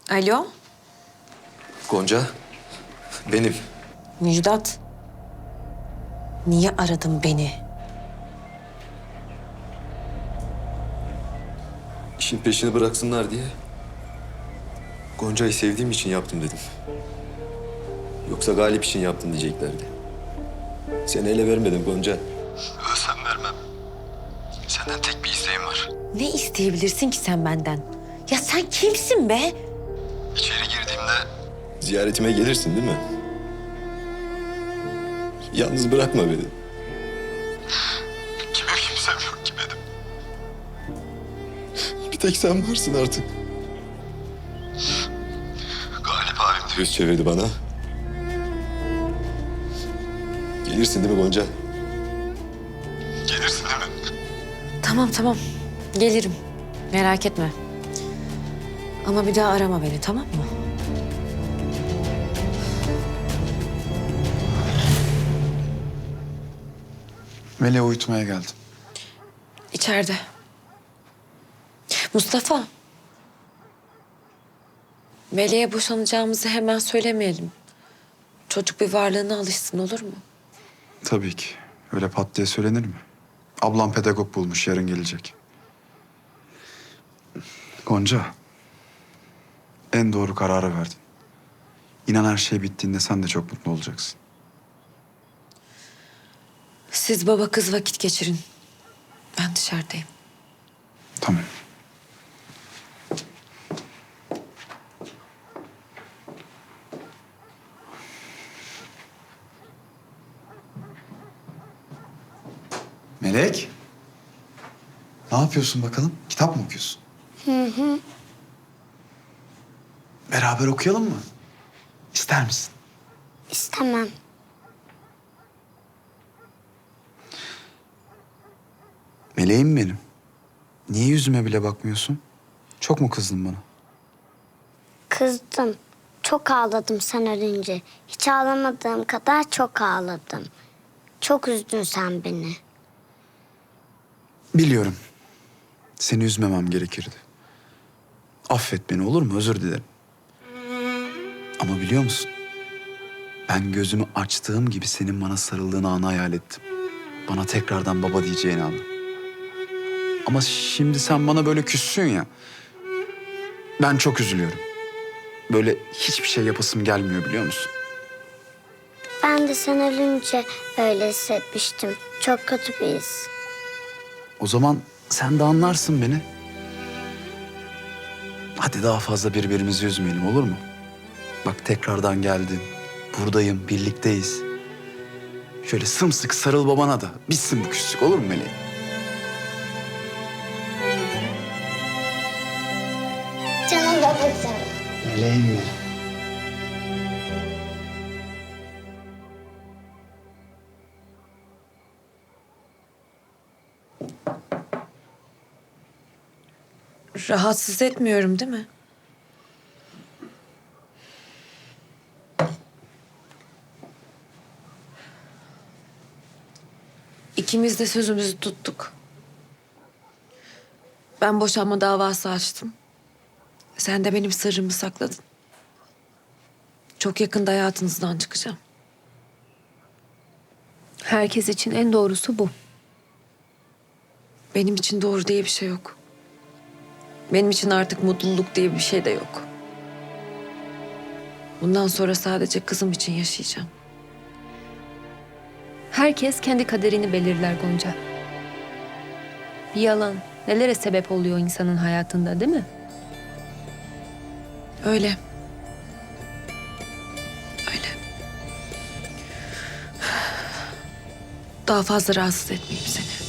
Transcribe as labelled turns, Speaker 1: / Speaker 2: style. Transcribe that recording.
Speaker 1: Alo,
Speaker 2: Gonca, benim.
Speaker 1: Müjdat. Niye aradın beni?
Speaker 2: İşin peşini bıraksınlar diye. Gonca'yı sevdiğim için yaptım dedim. Yoksa Galip için yaptın diyeceklerdi. Seni ele vermedim Gonca. Ölsem vermem. Senden tek bir isteğim var.
Speaker 1: Ne isteyebilirsin ki sen benden? Ya sen kimsin be?
Speaker 2: İçeri girdiğimde ziyaretime gelirsin değil mi? Yalnız bırakma beni. Kime kimsem yok ki benim. Bir tek sen varsın artık. Galip abim de yüz çevirdi bana. Gelirsin değil mi Gonca? Gelirsin değil mi?
Speaker 1: Tamam. Gelirim. Merak etme. Ama bir daha arama beni, tamam mı?
Speaker 3: Melek'i uyutmaya geldim.
Speaker 1: İçeride. Mustafa. Meleğe boşanacağımızı hemen söylemeyelim. Çocuk bir varlığına alışsın, olur mu?
Speaker 3: Tabii ki. Öyle pat diye söylenir mi? Ablam pedagog bulmuş, yarın gelecek. Gonca, en doğru kararı verdin. İnan her şey bittiğinde sen de çok mutlu olacaksın.
Speaker 1: Siz baba kız vakit geçirin. Ben dışarıdayım.
Speaker 3: Tamam. Melek. Ne yapıyorsun bakalım? Kitap mı okuyorsun? Hı. Beraber okuyalım mı? İster misin?
Speaker 4: İstemem.
Speaker 3: Meleğim benim. Niye yüzüme bile bakmıyorsun? Çok mu kızdın bana?
Speaker 4: Kızdım. Çok ağladım sen ölünce. Hiç ağlamadığım kadar çok ağladım. Çok üzdün sen beni.
Speaker 3: Biliyorum. Seni üzmemem gerekirdi. Affet beni, olur mu? Özür dilerim. Ama biliyor musun? Ben gözümü açtığım gibi senin bana sarıldığın anı hayal ettim. Bana tekrardan baba diyeceğin anı. Ama şimdi sen bana böyle küssün ya. Ben çok üzülüyorum. Böyle hiçbir şey yapasım gelmiyor, biliyor musun?
Speaker 4: Ben de sen ölünce öyle hissetmiştim. Çok kötü bir his.
Speaker 3: O zaman sen de anlarsın beni. Hadi daha fazla birbirimizi üzmeyelim, olur mu? Bak tekrardan geldin. Buradayım, birlikteyiz. Şöyle sımsıkı sarıl babana da. Bitsin bu küslük, olur mu Meleğim?
Speaker 4: Canım babacığım.
Speaker 3: Meleğim benim.
Speaker 1: Rahatsız etmiyorum değil mi? İkimiz de sözümüzü tuttuk. Ben boşanma davası açtım. Sen de benim sırrımı sakladın. Çok yakında hayatınızdan çıkacağım.
Speaker 5: Herkes için en doğrusu bu.
Speaker 1: Benim için doğru diye bir şey yok. Benim için artık mutluluk diye bir şey de yok. Bundan sonra sadece kızım için yaşayacağım.
Speaker 5: Herkes kendi kaderini belirler Gonca. Bir yalan nelere sebep oluyor insanın hayatında, değil mi?
Speaker 1: Öyle. Öyle. Daha fazla rahatsız etmeyeyim seni.